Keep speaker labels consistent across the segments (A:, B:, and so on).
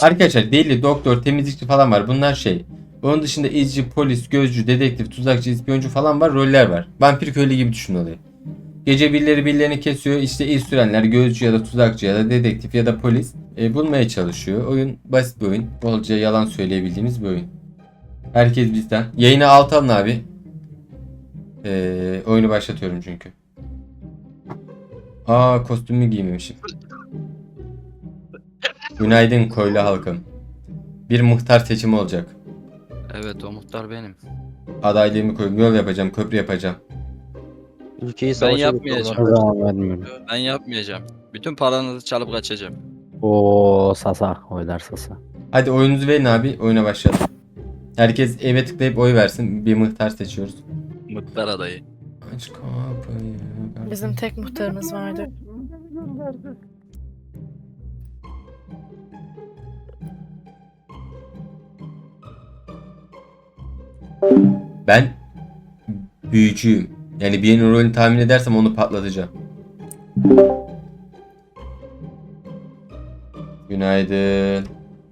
A: Arkadaşlar deli, doktor, temizlikçi falan var. Bunlar şey. Onun dışında izci, polis, gözcü, dedektif, tuzakçı, ispiyoncu falan var. Roller var. Vampir köylü gibi düşün olayı. Gece birileri birilerini kesiyor. İşte iz sürenler gözcü ya da tuzakçı ya da dedektif ya da polis bulmaya çalışıyor. Oyun basit bir oyun. Bolca yalan söyleyebildiğimiz bir oyun. Herkes bizden. Yayını alt alın abi. Oyunu başlatıyorum çünkü. Aa, kostümü giymemişim. Günaydın köylü halkım. Bir muhtar seçimi olacak.
B: Evet, o muhtar benim.
A: Adaylığımı koyup yol yapacağım, köprü yapacağım.
C: Ülkeyi
B: Ben
C: savaşa
B: yapmayacağım.
C: götürdüm
D: O
C: arkadaşlar.
D: zaman vermiyorum.
B: Ben yapmayacağım. Bütün paranızı çalıp kaçacağım.
D: Oo Sasa. Oylar Sasa.
A: Hadi oyunuzu verin abi. Oyuna başlayalım. Herkes eve tıklayıp oy versin. Bir muhtar seçiyoruz.
B: Muhtar adayı.
A: Aç kapıyı.
E: Bizim tek muhtarımız vardı.
A: Ben büyücüyüm. Yani birinin rolünü tahmin edersem onu patlatacağım. Günaydın.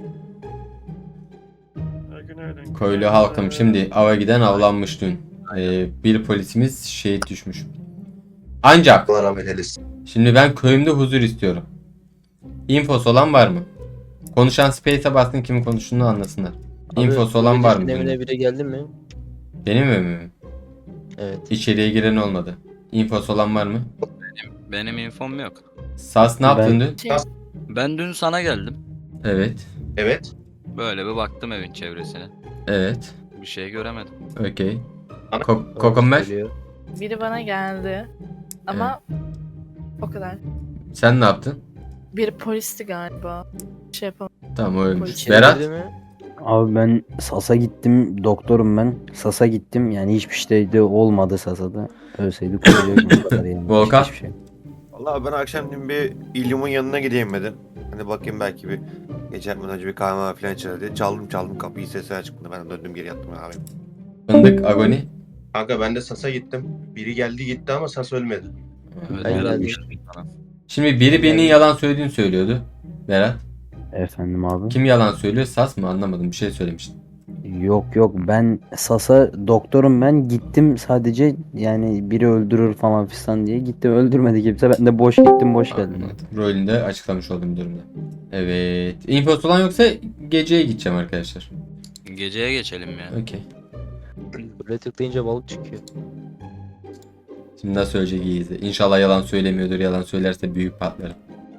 F: Günaydın.
A: Köylü halkım, şimdi ava giden avlanmış dün. Bir polisimiz şehit düşmüş. Ancak
F: Allah rahmet eylesin.
A: şimdi ben köyümde huzur istiyorum. Infosu olan var mı? Konuşan Space'e bassın, kimin konuştuğunu anlasınlar.
C: Abi,
A: Infosu olan var mı?
C: Evine
A: Benim,
C: biri geldi mi?
A: benim evime mi?
C: Evet.
A: İçeriye giren olmadı. Infosu olan var mı?
B: Benim infom yok.
A: Sas ne yaptın dün?
E: Şey,
B: Ben dün sana geldim.
A: Evet.
F: Evet.
B: Böyle bir baktım evin çevresine.
A: Evet.
B: Bir şey göremedim.
A: Okey.
C: Doğru
A: Kokomer,
C: söylüyor.
E: biri bana geldi. Ama o kadar.
A: sen ne yaptın?
E: Biri polisti galiba. Şey yapamadım.
A: Tamam, o ölmüş.
E: Polis.
A: Berat?
C: Girdi mi?
D: Abi ben Sas'a gittim. Doktorum ben. Sas'a gittim. Yani hiçbir şey de olmadı Sas'a'da. Ölseydi koruyacaktım bu kadar yani.
A: Volkan?
D: Hiçbir şey.
F: Vallahi ben akşam bir İlyum'un yanına gideyim dedim. Hani bakayım belki bir gece yatmadan önce bir kahve falan içer diye. Çaldım kapıyı, sesler çıktı. Ben döndüm geri yattım abi.
A: Fındık, Agoni.
G: Kanka ben de Sas'a gittim. Biri geldi gitti ama Sas ölmedi.
B: Evet,
C: Ben
B: Berat
C: geldim.
B: geldi bana.
A: Şimdi biri benim yalan söylediğini söylüyordu. Berat.
D: Efendim abi.
A: Kim yalan söylüyor? Sas mı? Anlamadım. Bir şey söylemiştin.
D: Yok ben Sas'a doktorum ben gittim sadece yani biri öldürür falan fistan diye gittim öldürmedi kimse ben de boş gittim boş geldim.
A: Anladım. Rolünde açıklamış olduğum durumda. Evet. Infosu olan yoksa geceye gideceğim arkadaşlar.
B: Geceye geçelim ya.
A: Okey.
C: Böyle tıklayınca balık çıkıyor.
A: Şimdi nasıl söyleyecek iyi izle. İnşallah yalan söylemiyordur. Yalan söylerse büyük patlarım.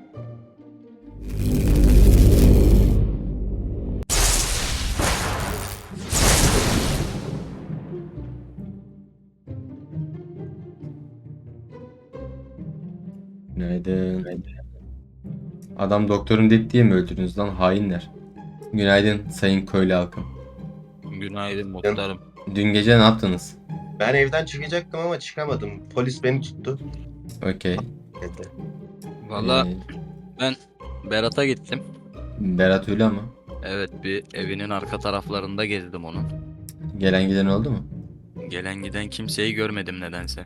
A: Günaydın. Adam doktorum dedi diye mi öldürdünüz lan hainler? Günaydın sayın köylü halkım.
B: Günaydın muhtarım.
A: Dün gece ne yaptınız?
G: Ben evden çıkacaktım ama çıkamadım. Polis beni tuttu.
A: Okey.
G: Dedi.
B: Valla
A: Ee,
B: Berat'a gittim.
A: Berat öyle ama.
B: Evet, bir evinin arka taraflarında gezdim onun.
A: Gelen giden oldu mu?
B: Gelen giden kimseyi görmedim nedense.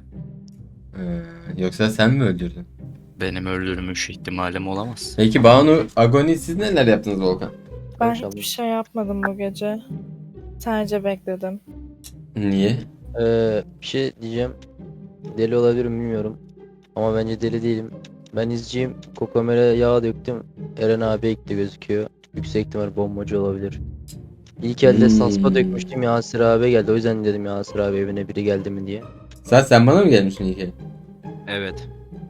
A: Yoksa sen mi öldürdün?
B: Benim öldürmüş ihtimalim olamaz.
A: Peki Banu, Agoni siz neler yaptınız Volkan?
E: Ben
C: Maşallah.
E: hiçbir şey yapmadım bu gece. Sadece bekledim.
A: Niye?
C: Bir şey diyeceğim. Deli olabilirim bilmiyorum. Ama bence deli değilim. Ben izciyim. Kokomere yağ döktüm. Eren abi ekti gözüküyor. Yüksek ihtimal bombacı olabilir. İlk elde sasma dökmüştüm, Yasir abi geldi. O yüzden dedim Yasir abi evine biri geldi mi diye.
A: Sen bana mı gelmişsin ilk el?
B: Evet.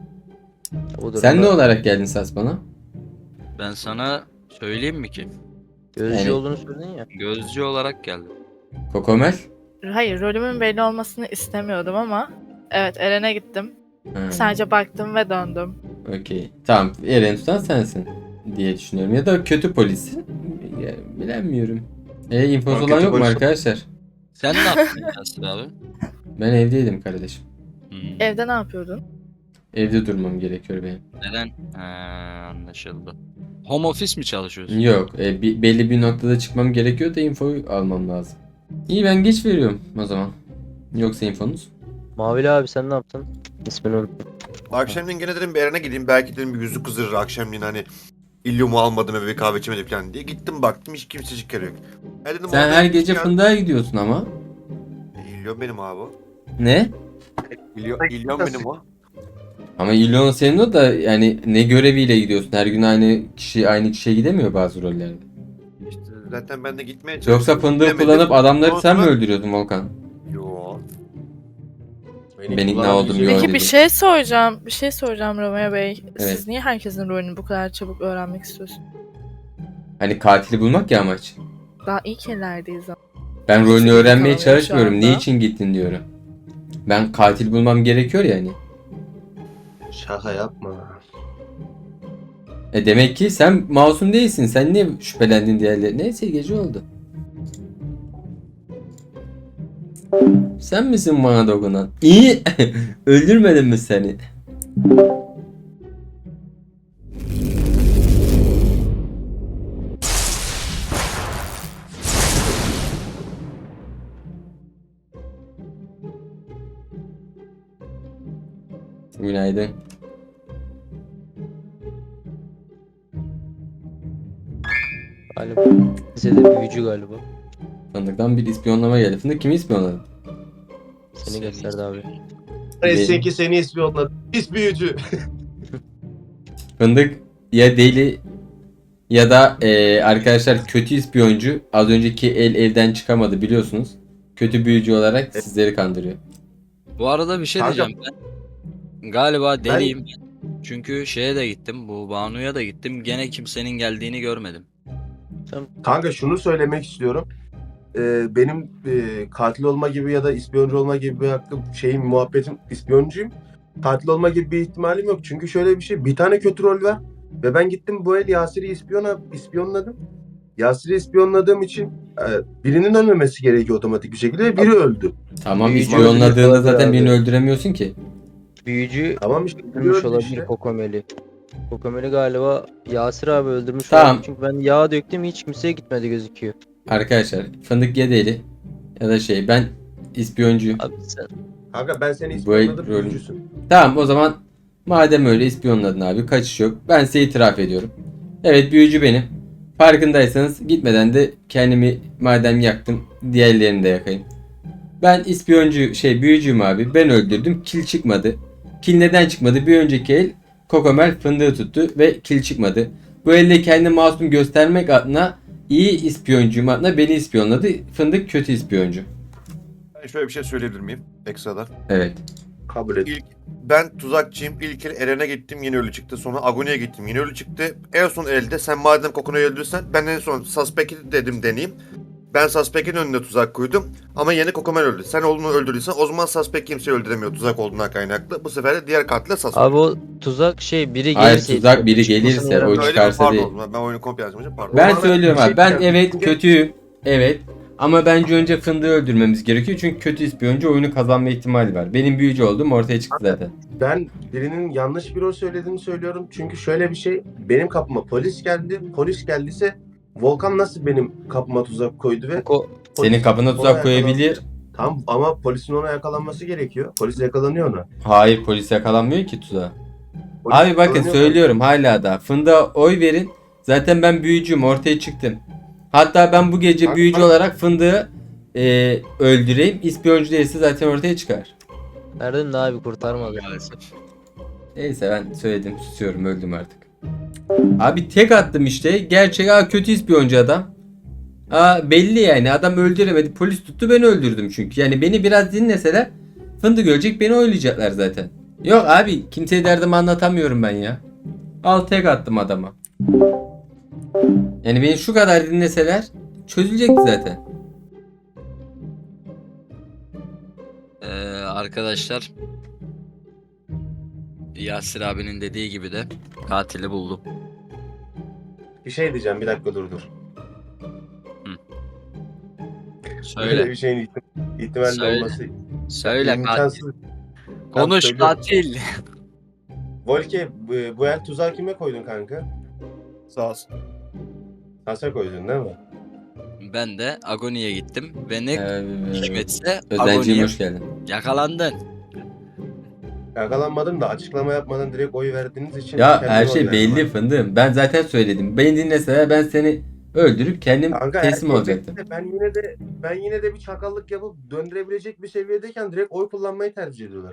C: O
A: Sen ne
C: durumda
A: olarak geldin Sas bana?
B: Ben sana söyleyeyim mi ki?
C: gözcü
A: Yani-
C: olduğunu söyledin ya.
B: Gözcü olarak geldim.
A: Kokomel?
E: Hayır, rolümün belli olmasını istemiyordum ama evet, Eren'e gittim.
A: Ha,
E: Sadece baktım ve döndüm.
A: okey. Tamam, Eren tutan sensin diye düşünüyorum. Ya da kötü polis. Ya, bilemiyorum. Infosu
G: Ama
A: olan
G: kötü
A: yok mu
G: polis-
A: arkadaşlar?
B: Sen ne yaptın Yasir abi?
A: Ben evdeydim kardeşim.
B: Hmm.
E: Evde ne yapıyordun?
A: Evde durmam gerekiyor benim.
B: Neden? Anlaşıldı. Home office mi çalışıyorsun?
A: Yok, belli bir noktada çıkmam gerekiyor da infoyu almam lazım. İyi, ben geç veriyorum o zaman. Yoksa infonuz?
C: Mavili abi sen ne yaptın? İsmini unuttum.
F: Akşamleyin gene dedim bir Eren'e gideyim. Belki dedim bir yüzü kızdırır akşamleyin hani. İlyum'u almadım eve bir kahve içmedim falan diye. Gittim baktım hiç kimsecik yok. Dedim,
A: Sen
F: orada
A: her
F: hiç
A: gece
F: gel-
A: fındığa gidiyorsun ama.
F: İlyum benim abi.
A: Ne?
F: İlyum benim o.
A: Ama İlyon senin o da yani ne göreviyle gidiyorsun? Her gün aynı kişiye gidemiyor bazı rollerde.
F: İşte zaten ben de gitmeye çalıştım.
A: Yoksa fındığı
F: gidemedim.
A: kullanıp adamları sen mi
F: Sonra-
A: öldürüyordun Volkan?
F: Yo.
A: Ben ikna oldum, yo.
E: Peki
A: dedim.
E: bir şey soracağım. Bir şey soracağım Romeo Bey.
A: Evet.
E: Siz niye herkesin rolünü bu kadar çabuk öğrenmek istiyorsunuz?
A: Hani katili bulmak ya amaç.
E: Daha ilk ellerdeyiz ama.
A: Ben rolünü
E: Kimse
A: öğrenmeye
E: bilgi tanımıyor şu
A: çalışmıyorum.
E: anda.
A: Ne için gittin diyorum. Ben katil bulmam gerekiyor yani.
G: Şaka yapma.
A: Demek ki sen masum değilsin. Sen niye şüphelendin diğerleri? Neyse gece oldu. Sen misin bana dokunan? İyi. Öldürmedim mi seni? Günaydın.
C: Galiba. Bize de büyücü galiba.
A: Fındıktan bir ispiyonlama geldi. Fındık kimi ispiyonladı?
C: Seni gösterdi abi.
G: Eski seni ispiyonladı. Pis büyücü.
A: Fındık ya deli ya da arkadaşlar kötü ispiyoncu. Az önceki el evden çıkamadı biliyorsunuz. Kötü büyücü olarak sizleri kandırıyor.
B: Bu arada bir şey
G: Kanka-
B: diyeceğim ben. Galiba deliyim ben. Çünkü şeye de gittim. Bu Banu'ya da gittim. Gene kimsenin geldiğini görmedim.
G: Kanka şunu söylemek istiyorum. Benim katil olma gibi ya da ispiyoncu olma gibi bir hakkım muhabbetim ispiyoncuyum. Katil olma gibi bir ihtimalim yok. Çünkü şöyle bir şey. Bir tane kötü rol var. Ve ben gittim bu el Yasir'i ispiyonladım. Yasir'i ispiyonladığım için birinin ölmemesi gerekiyor otomatik bir şekilde ve biri öldü.
A: Tamam
C: Büyücü
A: ispiyonladığında
C: olabilir
A: zaten
C: abi.
A: birini öldüremiyorsun ki.
C: Büyücü
G: Tamam işte biri
C: öldürmüş
G: öldü
C: olabilir
G: işte.
C: Kokomeli. Kokomeli galiba Yasir abi öldürmüş
A: Tamam.
C: olabilir. Çünkü ben yağ döktüm hiç kimseye gitmedi gözüküyor.
A: Arkadaşlar fındık ya deli ya da ben ispiyoncuyum.
C: Abi sen
G: Kanka ben seni
A: Bu el
G: ispiyonladım
A: rolü-
G: büyücüsün.
A: Tamam o zaman madem öyle ispiyonladın abi kaçış yok. Ben size itiraf ediyorum. Evet büyücü benim. Farkındaysanız gitmeden de kendimi madem yaktım diğerlerini de yakayım. Ben ispiyoncu büyücüyüm abi. Ben öldürdüm. Kil çıkmadı. Kil neden çıkmadı? Bir önceki el Kokomel fındığı tuttu ve kil çıkmadı. Bu elde kendini masum göstermek adına iyi ispiyoncuyum adına beni ispiyonladı. Fındık kötü ispiyoncu.
F: Ben şöyle bir şey söyleyebilir miyim? Ekstradan.
A: Evet.
G: Kabul et.
F: Ben tuzakçıyım. İlk el Eren'e gittim yine ölü çıktı. Sonra Agoni'ye gittim yine ölü çıktı. En son elde sen madem Kokono'yu öldürürsen ben en son Suspect'i dedim deneyeyim. Ben Suspect'in önüne tuzak koydum. Ama yeni Kokomel öldü. Sen oğlunu öldürdüysen o zaman Suspect kimseyi öldüremiyor tuzak olduğundan kaynaklı. Bu sefer de diğer katile Suspect.
C: abi o tuzak biri
A: Hayır,
C: gelirse
A: tuzak biri
C: çıkmasını
A: gelirse
C: yarar-
A: o
F: Öyle mi?
A: çıkarsa
F: Pardon
A: değil.
F: o zaman. Ben oyunu komple yazmışım pardon.
A: Ben
G: Ama
A: söylüyorum
G: bir şey
A: abi. Ben
G: diyeceğim.
A: evet
G: Çünkü-
A: kötüyüm. Evet. Ama bence önce fındığı öldürmemiz gerekiyor. Çünkü kötü ispiyoncu oyunu kazanma ihtimali var. Benim büyücü olduğum ortaya çıktı zaten.
G: Ben birinin yanlış bir rol söylediğini söylüyorum. Çünkü şöyle bir şey. Benim kapıma polis geldi. Polis geldiyse Volkan nasıl benim kapıma tuzak koydu ve
C: Ko-
A: Senin kapına
G: ona
A: tuzak koyabilir.
G: Tamam ama polisin ona yakalanması gerekiyor. Polis yakalanıyor ona.
A: Hayır polis yakalanmıyor ki tuzağa.
G: Polis
A: Abi bakın
G: yakalanıyor.
A: söylüyorum hala da. Fındığa oy verin. Zaten ben büyücüyüm ortaya çıktım. Hatta ben bu gece
G: Bak,
A: büyücü
G: bak.
A: olarak fındığı öldüreyim. İspiyoncu değilse zaten ortaya çıkar.
C: Erdem de abi kurtarmadı.
B: Maalesef.
A: Neyse ben söyledim susuyorum öldüm artık. Abi tek attım işte. Gerçek kötü ispiyoncu adam. Belli yani adam öldüremedi. Polis tuttu ben öldürdüm çünkü. Yani beni biraz dinleseler fındık ölecek beni oylayacaklar zaten. Yok abi kimseye derdimi anlatamıyorum ben ya. Al tek attım adama. Yani beni şu kadar dinleseler çözülecekti zaten.
B: Arkadaşlar Yasir abinin dediği gibi de katili buldum.
G: Bir şey diyeceğim bir dakika dur. Böyle
B: Söyle.
G: bir şeyin ihtimalle
B: Söyle.
G: olması
B: Söyle katil.
G: imkansız.
B: Konuş
G: söylüyorum.
B: katil.
G: Volke bu el tuzağı kime koydun kanka?
F: Sağ olsun.
G: Sasa koydun değil mi?
B: Ben de Agoni'ye gittim ve ne
A: Evet.
B: hikmetse
A: Özenciğim
B: Agoni'ye
A: hoş geldin.
B: yakalandın.
G: Yakalanmadım da açıklama yapmadan direkt oy verdiğiniz için
A: Ya
G: kendime
A: her
G: oy
A: şey
G: verdim
A: belli
G: abi.
A: fındığım. Ben zaten söyledim. Beni dinleseler ben seni öldürüp kendim
G: Kanka
A: teslim
G: her şey
A: olacaktım.
G: belli de ben yine de bir çakallık yapıp döndürebilecek bir seviyedeyken direkt oy kullanmayı tercih ediyorlar.